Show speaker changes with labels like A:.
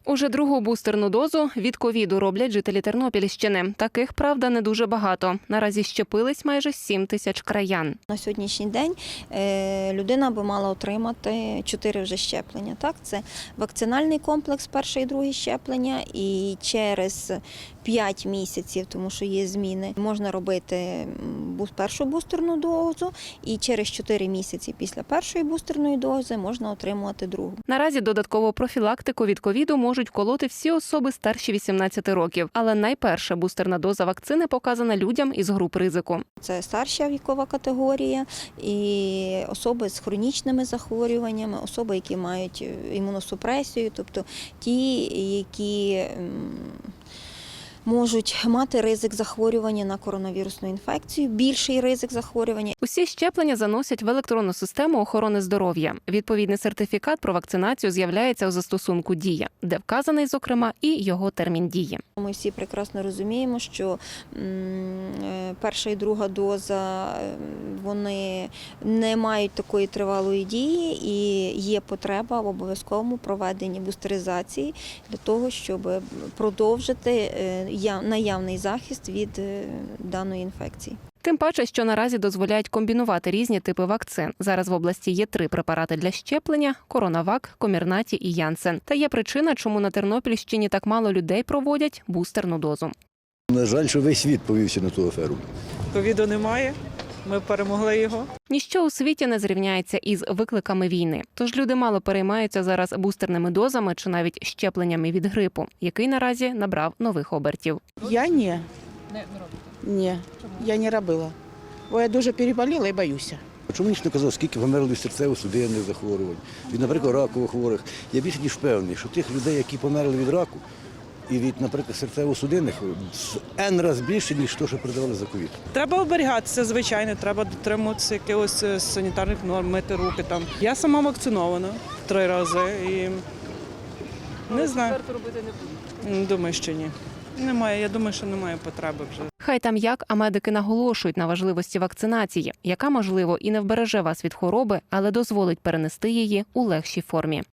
A: Уже другу бустерну дозу від ковіду роблять жителі Тернопільщини. Таких, правда, не дуже багато. Наразі щепились майже 7 тисяч краян.
B: На сьогоднішній день людина би мала отримати 4 вже щеплення. Так? Це вакцинальний комплекс, перше і друге щеплення, і через 5 місяців, тому що є зміни, можна робити першу бустерну дозу, і через 4 місяці після першої бустерної дози можна отримувати другу.
A: Наразі додаткову профілактику від ковіду можуть вколоти всі особи старші 18 років. Але найперша бустерна доза вакцини показана людям із груп ризику.
B: Це старша вікова категорія і особи з хронічними захворюваннями, особи, які мають імуносупресію, тобто ті, які можуть мати ризик захворювання на коронавірусну інфекцію, більший ризик захворювання.
A: Усі щеплення заносять в електронну систему охорони здоров'я. Відповідний сертифікат про вакцинацію з'являється у застосунку «Дія», де вказаний, зокрема, і його термін дії.
B: Ми всі прекрасно розуміємо, що перша і друга доза, вони не мають такої тривалої дії і є потреба в обов'язковому проведенні бустеризації для того, щоб продовжити наявний захист від даної інфекції.
A: Тим паче, що наразі дозволяють комбінувати різні типи вакцин. Зараз в області є 3 препарати для щеплення – Коронавак, Комірнаті і Янсен. Та є причина, чому на Тернопільщині так мало людей проводять бустерну дозу.
C: На жаль, що весь світ повівся на ту аферу.
D: Ковіду немає, ми перемогли його.
A: Ніщо у світі не зрівняється із викликами війни. Тож люди мало переймаються зараз бустерними дозами чи навіть щепленнями від грипу, який наразі набрав нових обертів.
E: Я ні. Ні, я не робила. Бо я дуже переболіла і боюся.
C: Чому ніч не казав, скільки померло від серцево-судинних захворювань, від, наприклад, ракових хворих. Я більше ніж впевнений, що тих людей, які померли від раку і від, наприклад, серцево-судинних, N раз більше, ніж то, що передавали за ковід.
D: Треба оберігатися, звичайно, треба дотримуватися якихось санітарних норм, мити руки там. Я сама вакцинована 3 рази і не знаю. Думаю, що ні. Немає, я думаю, що немає потреби вже.
A: Хай там як, а медики наголошують на важливості вакцинації, яка, можливо, і не вбереже вас від хвороби, але дозволить перенести її у легшій формі.